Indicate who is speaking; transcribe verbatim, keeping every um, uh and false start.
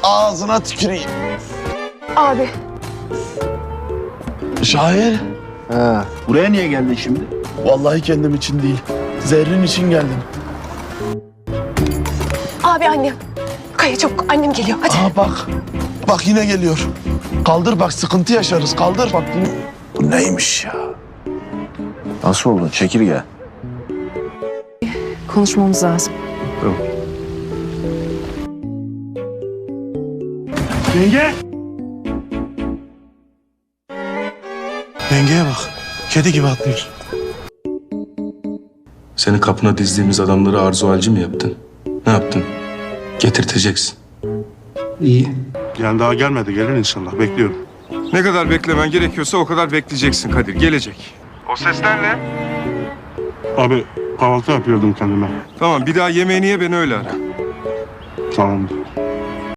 Speaker 1: ağzına tüküreyim.
Speaker 2: Abi.
Speaker 1: Şair.
Speaker 3: Ha, buraya niye geldin şimdi?
Speaker 1: Vallahi kendim için değil. Zerrin için geldim.
Speaker 2: Abi annem. Kaya çabuk annem geliyor hadi.
Speaker 1: Aa bak. Bak yine geliyor. Kaldır bak sıkıntı yaşarız. Kaldır bak. Bu, bu neymiş ya?
Speaker 3: Nasıl oldun? Çekirge.
Speaker 4: Konuşmamız lazım.
Speaker 1: Yenge. Yengeye bak. Kedi gibi atlıyor.
Speaker 5: Seni kapına dizdiğimiz adamları arzu halci mi yaptın? Ne yaptın? Getirteceksin.
Speaker 6: Yani daha gelmedi. Gelir inşallah. Bekliyorum.
Speaker 7: Ne kadar beklemen gerekiyorsa o kadar bekleyeceksin Kadir. Gelecek. O sesler ne?
Speaker 6: Abi kahvaltı yapıyordum kendime.
Speaker 7: Tamam bir daha yemeğini ye beni öyle ara.
Speaker 6: Tamamdır.